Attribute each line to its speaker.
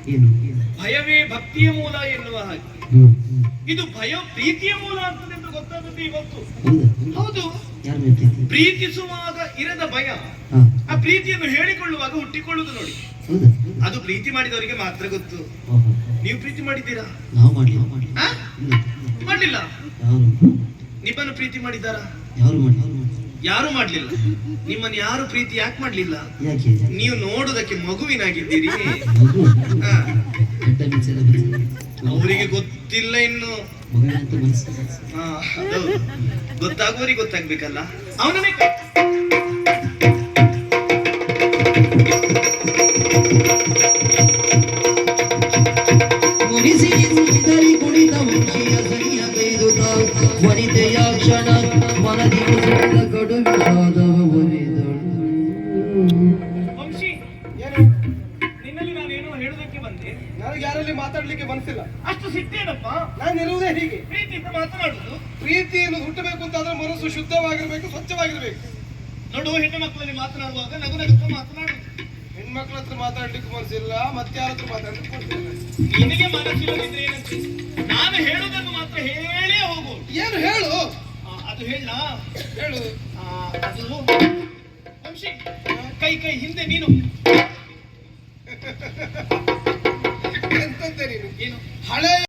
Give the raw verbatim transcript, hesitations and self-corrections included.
Speaker 1: ಏನು
Speaker 2: ಭಯವೇ ಭಕ್ತಿಯ ಮೂಲ ಎನ್ನುವ ಹಾಗೆ
Speaker 1: ಹ್ಮ್ ಹ್ಮ್.
Speaker 2: ಇದು ಭಯ ಪ್ರೀತಿಯ ಮೂಲ ಆಗ್ತದೆ ಅಂತ ಗೊತ್ತಾಗುತ್ತೆ ಇವತ್ತು.
Speaker 1: ಹೌದಾ
Speaker 2: ಹೌದು,
Speaker 1: ಯಾರ ಮೇಲೆ ಪ್ರೀತಿ?
Speaker 2: ಪ್ರೀತಿಸುವಾಗ ಇರದ ಭಯ
Speaker 1: ಹಾ
Speaker 2: ಆ ಪ್ರೀತಿಯನ್ನು ಹೇಳಿಕೊಳ್ಳುವಾಗ ಹುಟ್ಟಿಕೊಳ್ಳುವುದು ನೋಡಿ.
Speaker 1: ಹೌದಾ
Speaker 2: ಅದು ಪ್ರೀತಿ ಮಾಡಿದವರಿಗೆ ಮಾತ್ರ ಗೊತ್ತು.
Speaker 1: ಓಹೋ.
Speaker 2: ನೀವು ಪ್ರೀತಿ ಮಾಡಿದ್ದೀರಾ?
Speaker 1: ನಾವು ಮಾಡ್ಲಿ ನಾವು ಮಾಡ್ಲಿ
Speaker 2: ಆ?
Speaker 1: ಇಲ್ಲ
Speaker 2: ಮಾಡ್ಲಿಲ್ಲ.
Speaker 1: ಯಾರು
Speaker 2: ನಿಮ್ಮನ್ನು ಪ್ರೀತಿ ಮಾಡಿದ್ದಾರಾ?
Speaker 1: ಯಾರು ಮಾಡಿ ಯಾರು ಮಾಡಿ
Speaker 2: ಯಾರು ಮಾಡ್ಲಿಲ್ಲ. ನಿಮ್ಮನ್ನು ಯಾರು ಪ್ರೀತಿ ಯಾಕೆ ಮಾಡ್ಲಿಲ್ಲ?
Speaker 1: ಯಾಕೆ
Speaker 2: ನೀವು ನೋಡುದಕ್ಕೆ ಮಗುವಿನಾಗಿದ್ದೀರಿ.
Speaker 1: ಮಗು
Speaker 2: ಹಾ,
Speaker 1: ಗಡ್ಡ ಮಿಂಚೆಲ್ಲ ಬಿಚ್ಚಿ
Speaker 2: ಅವರಿಗೆ ಗೊತ್ತಿಲ್ಲ ಇನ್ನು.
Speaker 1: ಮಗುವಿನಂತ ಮನಸ್ಸು
Speaker 2: ಹಾ, ಅದೌದು. ಗೊತ್ತಾಗುವವರಿಗೆ ಗೊತ್ತಾಗ್ಬೇಕಲ್ಲ. ಅವನನ್ನೇ ಕೈ-
Speaker 1: ಮುನಿಸಿ ನಿಂತಲಿ ಕುಣಿತ ಮುಂಚಿಯ ಸನಿಯ ಕೈದುತ ವನಿತೆಯ ಕ್ಷಣ ಮನದಿ ಮುಸುಕಿದ ಕಡು ವಿಷಾದವ ಒಲಿದಳು.
Speaker 2: ವಂಶಿ, ನಿನ್ನಲ್ಲಿ ನಾನೇನೋ ಹೇಳುದಕ್ಕೆ ಬಂದೆ.
Speaker 3: ನನಗೆ ಯಾರಲ್ಲಿ ಮಾತಾಡ್ಲಿಕ್ಕೆ ಮನಸ್ಸಿಲ್ಲ.
Speaker 2: ಅಷ್ಟು ಸಿಟ್ಟೇನಪ್ಪ?
Speaker 3: ನಾನು ಇರುವುದೇ ಹೀಗೆ.
Speaker 2: ಪ್ರೀತಿಯಿಂದ ಮಾತನಾಡುದು.
Speaker 3: ಪ್ರೀತಿಯನ್ನು ಹುಟ್ಟಬೇಕು ಅಂತಾದ್ರೆ ಮನಸ್ಸು ಶುದ್ಧವಾಗಿರ್ಬೇಕು, ಸ್ವಚ್ಛವಾಗಿರ್ಬೇಕು.
Speaker 2: ನೋಡು, ಹೆಣ್ಣು ಮಕ್ಕಳಲ್ಲಿ ಮಾತನಾಡುವಾಗ ನಗು ನಗುತ್ತಾ ಮಾತನಾಡುದು.
Speaker 3: ಹೆಣ್ಮಕ್ಳ ಹತ್ರ ಮಾತಾಡ್ಲಿಕ್ಕೆ ಮನಸ್ಸಿಲ್ಲ, ಮತ್ತೆ ಯಾರ ಹತ್ರ ಮಾತಾಡ್ಲಿಕ್ಕೆ ಮನಸ್ಸಿಲ್ಲ.
Speaker 2: ನಿನಗೆ ಮನಸ್ಸಿಲ್ಲದಿದ್ರೆ ಏನಂತೆ? ನಾನು ಹೇಳುವುದನ್ನು ಮಾತ್ರ ಹೇಳೇ ಹೋಗು.
Speaker 3: ಏನು ಹೇಳು?
Speaker 2: ಆ, ಅದು ಹೇಳ.
Speaker 3: ಹೇಳು.
Speaker 2: ಅದು ವಂಶಿ, ಕೈ ಕೈ ಹಿಂದೆ ನೀನು.
Speaker 3: ಎಂತಂತೆ ನೀನು?
Speaker 2: ಏನು?
Speaker 3: ಹಳೆ